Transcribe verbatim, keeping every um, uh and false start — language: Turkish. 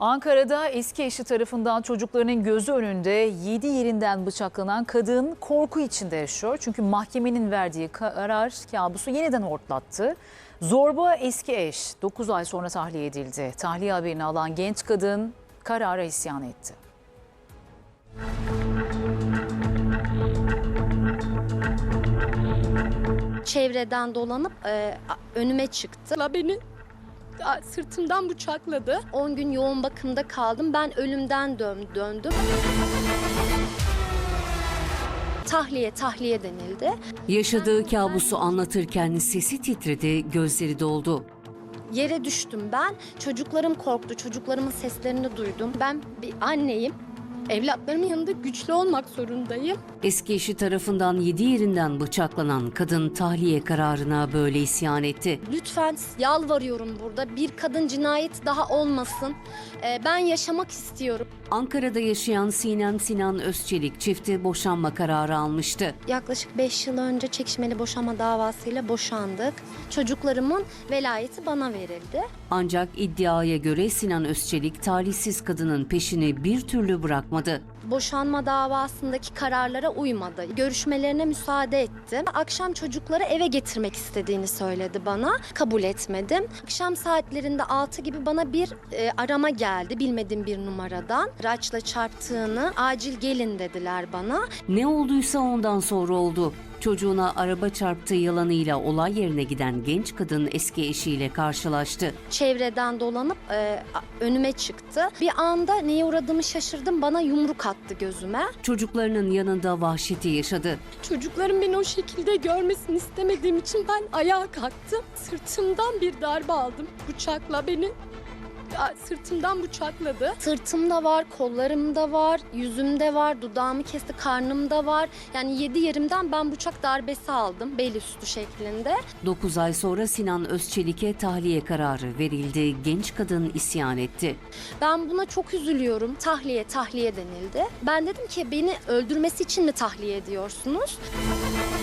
Ankara'da eski eşi tarafından çocuklarının gözü önünde yedi yerinden bıçaklanan kadın korku içinde yaşıyor. Çünkü mahkemenin verdiği karar kabusu yeniden hortlattı. Zorba eski eş dokuz ay sonra tahliye edildi. Tahliye haberini alan genç kadın karara isyan etti. Çevreden dolanıp e, önüme çıktı. Beni sırtımdan bıçakladı. on gün yoğun bakımda kaldım. Ben ölümden dön, döndüm. Tahliye, tahliye denildi. Yaşadığı kabusu anlatırken sesi titredi, gözleri doldu. Yere düştüm ben. Çocuklarım korktu. Çocuklarımın seslerini duydum. Ben bir anneyim. Evlatlarımın yanında güçlü olmak zorundayım. Eski eşi tarafından yedi yerinden bıçaklanan kadın tahliye kararına böyle isyan etti. Lütfen yalvarıyorum burada. Bir kadın cinayeti daha olmasın. Ee, ben yaşamak istiyorum. Ankara'da yaşayan Sinem Sinan Özçelik çifti boşanma kararı almıştı. Yaklaşık beş yıl önce çekişmeli boşanma davasıyla boşandık. Çocuklarımın velayeti bana verildi. Ancak iddiaya göre Sinan Özçelik talihsiz kadının peşini bir türlü bırakmadı. Boşanma davasındaki kararlara uymadı. Görüşmelerine müsaade ettim. Akşam çocukları eve getirmek istediğini söyledi bana. Kabul etmedim. Akşam saatlerinde altı gibi bana bir e, arama geldi bilmediğim bir numaradan. Araçla çarptığını, acil gelin dediler bana. Ne olduysa ondan sonra oldu. Çocuğuna araba çarptığı yalanıyla olay yerine giden genç kadın eski eşiyle karşılaştı. Çevreden dolanıp e, önüme çıktı. Bir anda neye uğradığımı şaşırdım. Bana yumruk attı gözüme. Çocuklarının yanında vahşeti yaşadı. Çocuklarım beni o şekilde görmesini istemediğim için ben ayağa kalktım. Sırtımdan bir darbe aldım. Bıçakla beni sırtımdan bıçakladı. Sırtımda var, kollarımda var, yüzümde var, dudağımı kesti, karnımda var. Yani yedi yerimden ben bıçak darbesi aldım bel üstü şeklinde. dokuz ay sonra Sinan Özçelik'e tahliye kararı verildi. Genç kadın isyan etti. Ben buna çok üzülüyorum. Tahliye, tahliye denildi. Ben dedim ki beni öldürmesi için mi tahliye ediyorsunuz?